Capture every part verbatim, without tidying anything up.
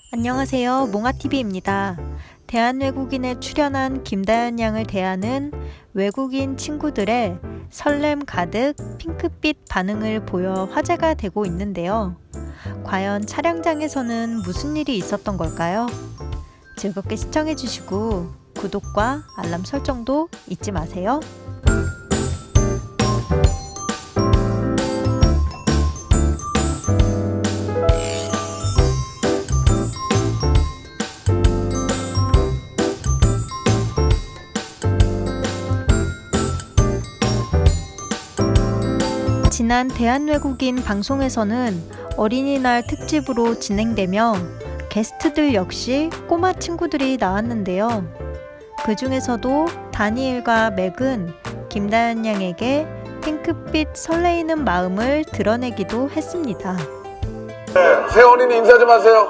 안녕하세요. 몽아티비입니다. 대한외국인에 출연한 김다연 양을 대하는 외국인 친구들의 설렘 가득 핑크빛 반응을 보여 화제가 되고 있는데요. 과연 촬영장에서는 무슨 일이 있었던 걸까요? 즐겁게 시청해주시고 구독과 알람 설정도 잊지 마세요. 지난 대한외국인 방송에서는 어린이날 특집으로 진행되며 게스트들 역시 꼬마 친구들이 나왔는데요. 그 중에서도 다니엘과 맥은 김다연 양에게 핑크빛 설레이는 마음을 드러내기도 했습니다. 네, 새 어린이 인사 좀 하세요.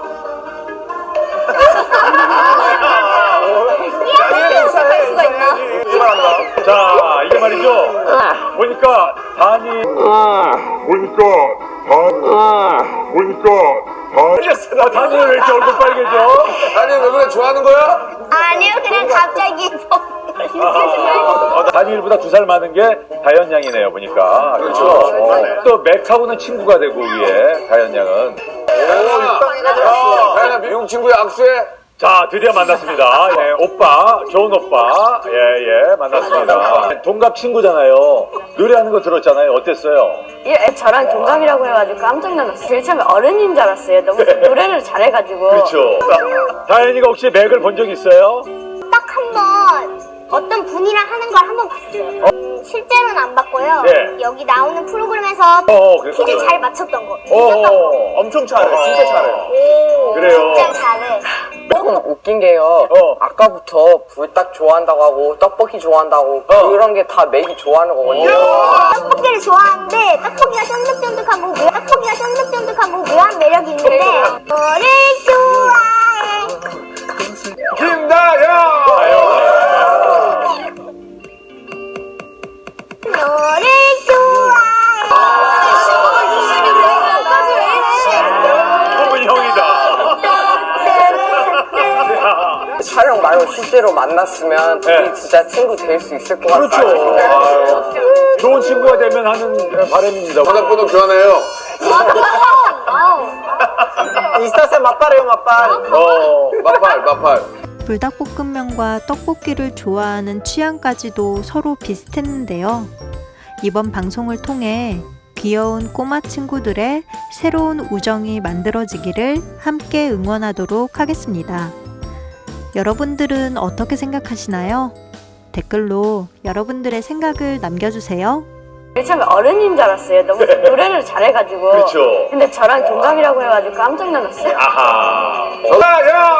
인사할 수가 있나? 이만한다. 자, 이게 말이죠. 보니까 다니 보니까 다 보니까 다 아, 다니 왜 이렇게 얼굴 빨개져? 다니 왜 그래? 좋아하는 거야? 아니요, 그냥 갑자기 어, 다니엘보다 두 살 많은 게 다연 양이네요, 보니까. 그렇죠. 어, 또 맥하고는 친구가 되고 위에 다연 양은. 오, 다현아 미국 친구야 악수해. 자, 드디어 만났습니다. 예, 오빠, 좋은 오빠. 예, 예, 만났습니다. 동갑 친구잖아요. 노래하는 거 들었잖아요. 어땠어요? 예, 저랑 동갑이라고 해가지고 깜짝 놀랐어요. 제일 처음에 어른인 줄 알았어요. 너무 노래를 잘해가지고. 그렇죠. 다현이가 혹시 맥을 본 적 있어요? 딱 한 번 어떤 분이랑 하는 걸 한 번 봤어요. 음, 실제로는 안 봤고요. 네. 여기 나오는 프로그램에서 어, 그랬구나. 퀴즈 잘 맞췄던 거. 어, 이겼던 거. 어, 엄청 잘해. 진짜 잘해. 오, 그래요. 진짜 잘해. 조금 웃긴 게요. 어. 아까부터 불닭 좋아한다고 하고 떡볶이 좋아한다고 어. 그런 게 다 맥이 좋아하는 거거든요. 떡볶이를 좋아하는데 떡볶이가 쫀득쫀득하고 묘- 떡볶이가 쫀득쫀득하고 묘한 매력이 있는데 너를 좋아해. 김다현. 너를 좋아해. 너무 형이다. 촬영 말고 실제로 만났으면 둘이 네. 진짜 친구 될 수 있을 것 그렇죠. 같아요. 아유, 좋은 친구가 되면 하는 바람입니다. 전화번호 교환해요. 인스타세 맛발해요 맛발. 어, 마팔 마팔. 불닭볶음면과 떡볶이를 좋아하는 취향까지도 서로 비슷했는데요. 이번 방송을 통해 귀여운 꼬마 친구들의 새로운 우정이 만들어지기를 함께 응원하도록 하겠습니다. 여러분들은 어떻게 생각하시나요? 댓글로 여러분들의 생각을 남겨주세요. 제일 처음에 어른인 줄 알았어요. 너무 노래를 잘해가지고. 그렇죠. 근데 저랑 동갑이라고 해가지고 깜짝 놀랐어요. 아하. 다현.